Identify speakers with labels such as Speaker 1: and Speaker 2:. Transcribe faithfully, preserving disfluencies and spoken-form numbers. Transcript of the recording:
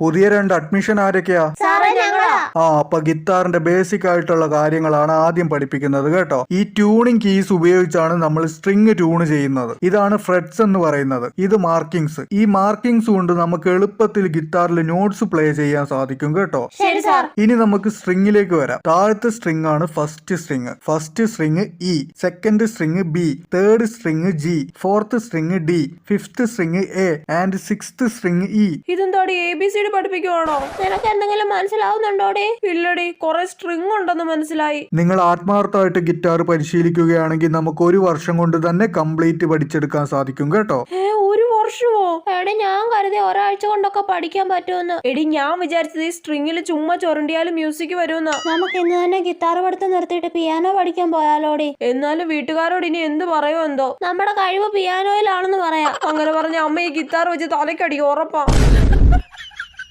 Speaker 1: പുതിയ രണ്ട് അഡ്മിഷൻ ആരൊക്കെയാ? ആ അപ്പൊ ഗിത്താറിന്റെ ബേസിക് ആയിട്ടുള്ള കാര്യങ്ങളാണ് ആദ്യം പഠിപ്പിക്കുന്നത് കേട്ടോ. ഈ ട്യൂണിംഗ് കീസ് ഉപയോഗിച്ചാണ് നമ്മൾ സ്ട്രിങ് ട്യൂൺ ചെയ്യുന്നത്. ഇതാണ് ഫ്രെറ്റ്സ് എന്ന് പറയുന്നത്. ഇത് മാർക്കിങ്സ്. ഈ മാർക്കിങ്സ് കൊണ്ട് നമുക്ക് എളുപ്പത്തിൽ ഗിത്താറിൽ നോട്ട്സ് പ്ലേ ചെയ്യാൻ സാധിക്കും കേട്ടോ. ഇനി നമുക്ക് സ്ട്രിങ്ങിലേക്ക് വരാം. താഴത്തെ സ്ട്രിങ് ആണ് first string. First string E, second string B, third string G, fourth string D, fifth string A and sixth string E.
Speaker 2: ഇതെന്താടി എ ബി സി ഡി പഠിപ്പിക്കുവാണോ?
Speaker 3: നിനക്ക് എന്തെങ്കിലും മനസ്സിലാവുന്നുണ്ടോടെ?
Speaker 2: ഇല്ലടി, കുറെ സ്ട്രിങ് ഉണ്ടെന്ന് മനസ്സിലായി.
Speaker 1: നിങ്ങൾ ആത്മാർത്ഥമായിട്ട് ഗിറ്റാർ പരിശീലിക്കുകയാണെങ്കിൽ നമുക്ക് ഒരു വർഷം കൊണ്ട് തന്നെ കംപ്ലീറ്റ് പഠിച്ചെടുക്കാൻ സാധിക്കും കേട്ടോ.
Speaker 2: ഏ ഒരു വർഷമോ?
Speaker 3: എടി ഞാൻ കരുതി ഒരാഴ്ച കൊണ്ടൊക്കെ പഠിക്കാൻ പറ്റുമെന്ന്.
Speaker 2: എടി ഞാൻ വിചാരിച്ചത് ഈ സ്ട്രിങ്ങിൽ ചുമ്മാ ചുരണ്ടിയാലും മ്യൂസിക് വരുമെന്നാ.
Speaker 3: നമുക്ക് ഇന്ന് തന്നെ ഗിത്താർ പഠിത്തം നിർത്തിയിട്ട് പിയാനോ പഠിക്കാൻ പോയാലോടി?
Speaker 2: എന്നാലും വീട്ടുകാരോട് ഇനി എന്ത് പറയുമോ എന്തോ.
Speaker 3: നമ്മുടെ കഴിവ് പിയാനോയിലാണെന്ന് പറയാം.
Speaker 2: അങ്ങനെ പറഞ്ഞ അമ്മ ഈ ഗിത്താർ വെച്ച് തലക്കടി ഉറപ്പാ.